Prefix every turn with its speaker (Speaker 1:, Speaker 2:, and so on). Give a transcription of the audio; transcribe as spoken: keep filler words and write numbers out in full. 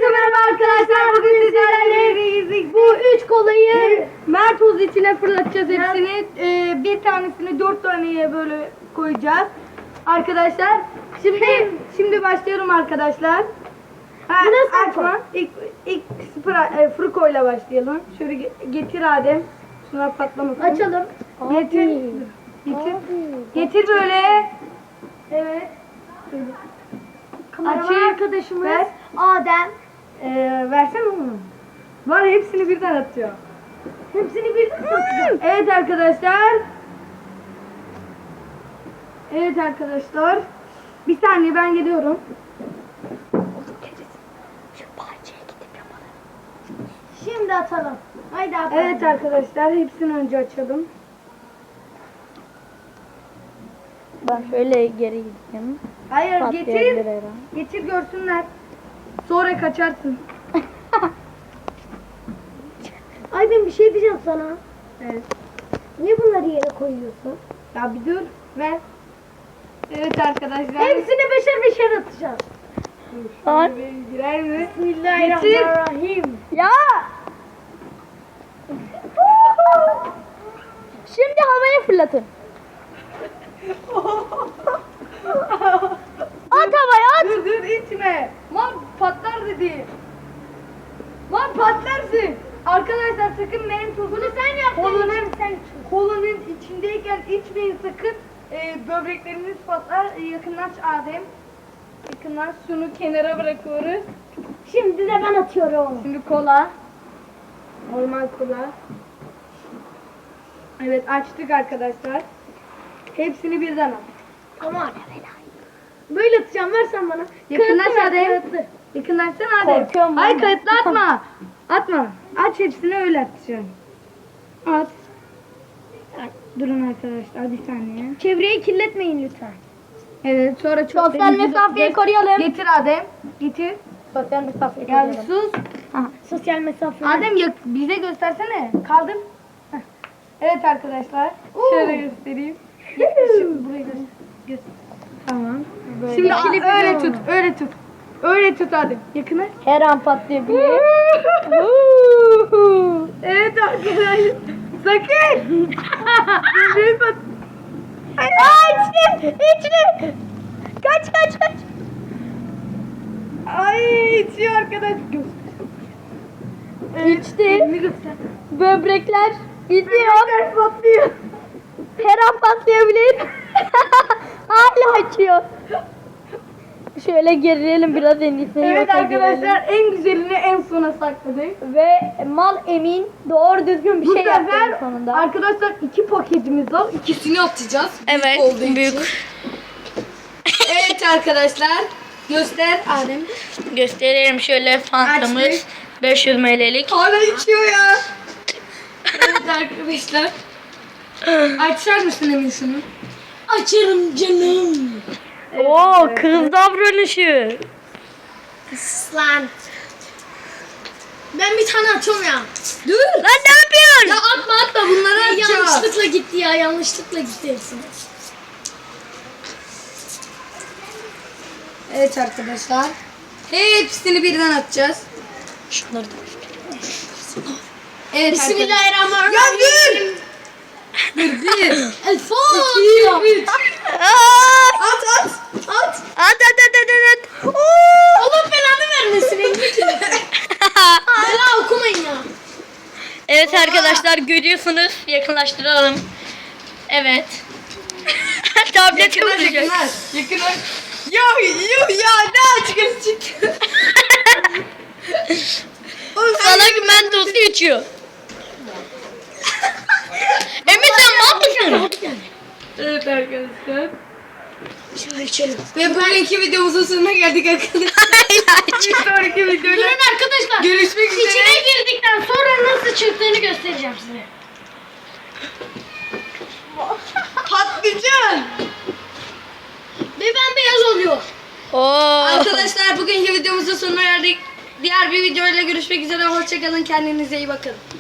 Speaker 1: Herkese merhaba arkadaşlar. Bugün sizlerle bu üç kolayı Mert Oz içine fırlatacağız hepsini. Ee, bir tanesini dört taneye böyle koyacağız. Arkadaşlar şimdi şimdi başlıyorum arkadaşlar. Ha, açma. İlk ilk spra, e, Fruko ile başlayalım. Şöyle getir Adem. Şunlar patlamasın.
Speaker 2: Açalım.
Speaker 1: Getir. Getir. Getir böyle. Evet.
Speaker 2: Kameraman
Speaker 1: Açayım.
Speaker 2: arkadaşımız
Speaker 1: Ver.
Speaker 2: Adem.
Speaker 1: Ee, versene onu. Var hepsini birden atıyor.
Speaker 2: Hepsini birden atacağım.
Speaker 1: Evet arkadaşlar. Evet arkadaşlar. Bir saniye ben geliyorum.
Speaker 2: Şu bahçeye gidip yapalım. Şimdi atalım. Haydi atalım.
Speaker 1: Evet arkadaşlar hepsini önce açalım.
Speaker 3: Ben şöyle geri gideyim.
Speaker 1: Hayır
Speaker 3: Patlayabilir
Speaker 1: getir.
Speaker 3: her an.
Speaker 1: Getir görsünler. Sonra kaçarsın.
Speaker 2: Aydın bir şey diyeceğim sana.
Speaker 1: Evet.
Speaker 2: Niye bunları yere koyuyorsun?
Speaker 1: Ya bir dur. Ver. Evet arkadaşlar.
Speaker 2: Hepsini beşer beşer atacağız.
Speaker 3: Lan.
Speaker 1: Girer mi?
Speaker 2: Bismillahirrahmanirrahim.
Speaker 3: Ya! Şimdi havaya fırlatın. At havaya at.
Speaker 1: Dur dur içme. Lan patlar dedi. Lan patlarsın. Arkadaşlar sakın mentosu. Bunu sen yaptın. Kolunun,
Speaker 2: sen
Speaker 1: kolunun içindeyken içmeyin sakın. Ee, böbrekleriniz patlar. Ee, yakınlaş Adem. Yakınlaş şunu kenara bırakıyoruz.
Speaker 2: Şimdi de ben atıyorum.
Speaker 1: Şimdi kola. Normal kola. Evet açtık arkadaşlar. Hepsini birden al.
Speaker 2: Aman. Böyle atacağım, versen bana.
Speaker 1: Yakınlaş
Speaker 2: Kağıtlı ver,
Speaker 1: Adem.
Speaker 2: kağıtlı.
Speaker 1: Yakınlaşsana Adem.
Speaker 3: Korkuyorum
Speaker 1: Hayır
Speaker 3: ben.
Speaker 1: kayıtlı atma. Atma. Aç hepsini öyle atacaksın. At. Ay, Durun arkadaşlar bir saniye.
Speaker 2: Çevreyi kirletmeyin lütfen.
Speaker 1: Evet sonra çok
Speaker 3: Sosyal mesafeyi koruyalım.
Speaker 1: Getir Adem. Getir.
Speaker 3: Sosyal mesafeyi
Speaker 1: Ya bir
Speaker 3: koruyalım.
Speaker 1: sus.
Speaker 2: Sosyal mesafe.
Speaker 1: Adem yak- bize göstersene. Kaldır. Heh. Evet arkadaşlar. Şöyle göstereyim. Şimdi burayı göster. göster. Tamam. Şimdi a-
Speaker 2: Kilitli
Speaker 1: öyle
Speaker 2: olma.
Speaker 1: tut. Öyle tut. Öyle tut Adem. Yakına.
Speaker 3: Her an patlayabilir.
Speaker 1: Evet arkadaşlar. Sakın. Büyük pat-
Speaker 3: Aa içtim. İçtim. Kaç kaç kaç.
Speaker 1: Ay içiyor arkadaş.
Speaker 3: İçti.
Speaker 1: Elini göster.
Speaker 3: Böbrekler gidiyor.
Speaker 1: Böbrekler patlıyor.
Speaker 3: Her an patlayabilir. Hala açıyor. Şöyle gerilelim biraz en iyisi.
Speaker 1: Evet
Speaker 3: yoksa
Speaker 1: arkadaşlar
Speaker 3: gerilelim.
Speaker 1: en güzelini en sona sakladık.
Speaker 3: Ve mal emin doğru düzgün bir
Speaker 1: Bu
Speaker 3: şey yaptı en
Speaker 1: sefer
Speaker 3: sonunda.
Speaker 1: arkadaşlar iki paketimiz var. İkisini atacağız.
Speaker 3: Evet,
Speaker 1: Büyük olduğu
Speaker 3: büyük.
Speaker 1: için. Evet arkadaşlar. Göster Adem.
Speaker 3: Gösterelim şöyle fantamız.
Speaker 1: Açtık.
Speaker 3: beş yüz mililitrelik.
Speaker 1: Hala içiyor ya. Evet arkadaşlar. Açar mısın Emin şunu?
Speaker 2: Açarım canım.
Speaker 3: Oo kız davranışı.
Speaker 2: Lan. Ben bir tane atıyorum ya.
Speaker 1: Dur.
Speaker 3: Lan ne yapıyorsun?
Speaker 1: Ya atma atma bunları
Speaker 2: Ya
Speaker 1: atacağız.
Speaker 2: yanlışlıkla gitti ya, yanlışlıkla gitti hepsine.
Speaker 1: Evet arkadaşlar. Hepsini birden atacağız.
Speaker 3: Şunları da.
Speaker 1: Evet
Speaker 2: Bismillahirrahmanirrahim.
Speaker 1: Ya dur. Dur bir.
Speaker 2: El Fatiha.
Speaker 1: İki, üç.
Speaker 3: Aa!
Speaker 1: At at. At.
Speaker 3: At at at at at. Oo!
Speaker 2: Allah belanı vermesin elini. Bela okumayın ya.
Speaker 3: Evet arkadaşlar görüyorsunuz. Yakınlaştıralım. Evet. Tablet
Speaker 1: Yakınlar
Speaker 3: kıvıracak.
Speaker 1: yakınlar. Yakınlar. Ya yuh ya ne açıkçası çıktı. Oğlum sen
Speaker 3: Salak mentosu içiyor. Emre sen ne yapıyorsun?
Speaker 1: Evet arkadaşlar.
Speaker 2: Şimdi içelim.
Speaker 1: Ve bugünkü videomuzun sonuna geldik arkadaşlar. Bir sonraki videoda
Speaker 2: Durun arkadaşlar.
Speaker 1: görüşmek üzere.
Speaker 2: İçine girdikten sonra nasıl çıktığını göstereceğim size.
Speaker 1: Patlıcan.
Speaker 2: Ve bembeyaz oluyor.
Speaker 3: Oo.
Speaker 1: Arkadaşlar bugünkü videomuzun sonuna geldik. Diğer bir videoyla görüşmek üzere. Hoşçakalın. Kendinize iyi bakın.